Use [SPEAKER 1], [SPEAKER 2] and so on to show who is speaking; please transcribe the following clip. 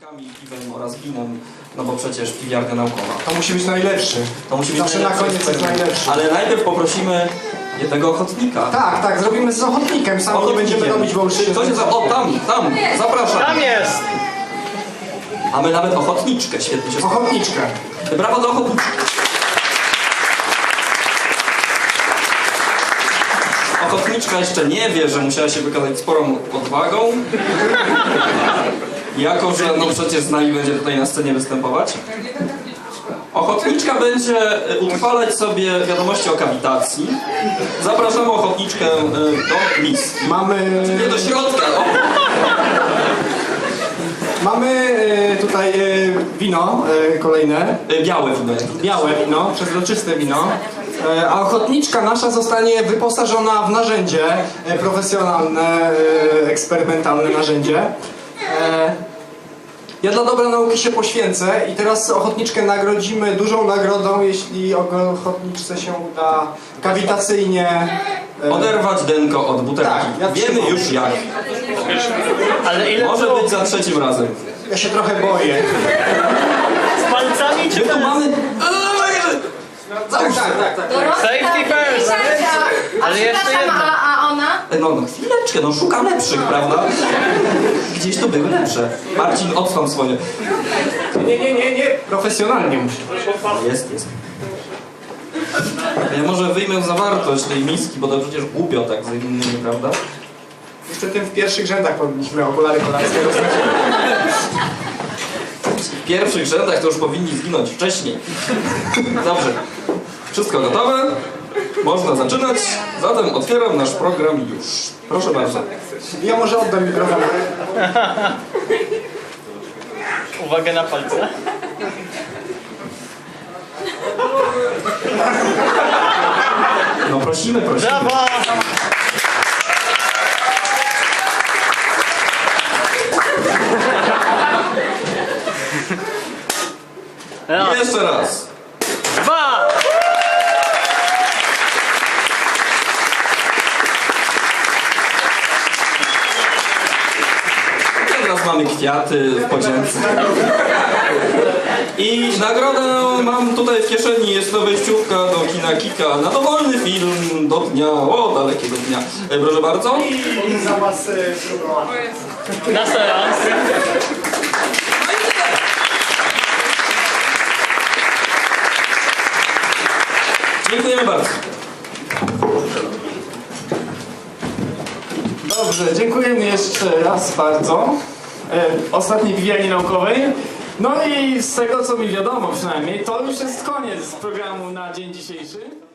[SPEAKER 1] ochotnikami, piwem oraz winem, no bo przecież piwiarnia naukowa.
[SPEAKER 2] To musi być najlepszy.
[SPEAKER 1] To musi być
[SPEAKER 2] zawsze na koniec jest najlepszy.
[SPEAKER 1] Ale najpierw poprosimy jednego ochotnika.
[SPEAKER 2] Tak, zrobimy z ochotnikiem, sami nie będziemy robić, bo już się...
[SPEAKER 1] Ktoś jest... O, tam, zapraszam.
[SPEAKER 3] Tam jest!
[SPEAKER 1] Mamy nawet ochotniczkę, świetnie się spodoba.
[SPEAKER 2] Ochotniczkę.
[SPEAKER 1] Brawo dla ochotniczki. Ochotniczka jeszcze nie wie, że musiała się wykazać sporą odwagą. Jako, że no przecież z nami będzie tutaj na scenie występować. Ochotniczka będzie utrwalać sobie wiadomości o kawitacji. Zapraszamy ochotniczkę do miski. Nie do środka. O.
[SPEAKER 2] Mamy tutaj wino kolejne.
[SPEAKER 1] Białe wino.
[SPEAKER 2] Białe wino, przezroczyste wino. A ochotniczka nasza zostanie wyposażona w narzędzie profesjonalne, eksperymentalne narzędzie. Ja dla dobra nauki się poświęcę i teraz ochotniczkę nagrodzimy dużą nagrodą, jeśli ochotniczce się uda kawitacyjnie
[SPEAKER 1] oderwać denko od butelki.
[SPEAKER 2] Tak,
[SPEAKER 1] wiemy już jak.
[SPEAKER 3] Ale ile
[SPEAKER 1] Może być za trzecim razem.
[SPEAKER 2] Ja się trochę boję.
[SPEAKER 3] z palcami czy
[SPEAKER 1] My tu
[SPEAKER 3] bez?
[SPEAKER 1] mamy...
[SPEAKER 2] Tak.
[SPEAKER 3] Safety first! Ale jeszcze jedno.
[SPEAKER 4] A ona?
[SPEAKER 1] No chwileczkę, no szukam lepszych, prawda? Gdzieś tu były lepsze. Marcin, odstąp swoje.
[SPEAKER 2] Nie. Profesjonalnie musi.
[SPEAKER 1] Jest. Ja może wyjmę zawartość tej miski, bo to przecież głupio tak z innymi, prawda?
[SPEAKER 2] Niestety w pierwszych rzędach powinniśmy okulary kolarskie dostać.
[SPEAKER 1] W pierwszych rzędach to już powinni zginąć wcześniej. Dobrze. Wszystko gotowe? Można zaczynać. Zatem otwieram nasz program już. Proszę bardzo.
[SPEAKER 2] Ja może oddam mikrofon.
[SPEAKER 3] Uwaga na palce.
[SPEAKER 1] No prosimy.
[SPEAKER 3] Brawo! Raz,
[SPEAKER 1] Jeszcze raz.
[SPEAKER 3] dwa!
[SPEAKER 1] Teraz mamy kwiaty w podzięce. I nagrodę mam tutaj w kieszeni. Jest to wejściówka do kina Kika na dowolny film do dnia, dalekiego dnia. Proszę bardzo.
[SPEAKER 2] I za was próbować.
[SPEAKER 3] Na seans.
[SPEAKER 1] Dziękujemy bardzo.
[SPEAKER 2] Dobrze, dziękujemy jeszcze raz bardzo. Ostatniej piwiarni naukowej. No i z tego co mi wiadomo przynajmniej, to już jest koniec programu na dzień dzisiejszy.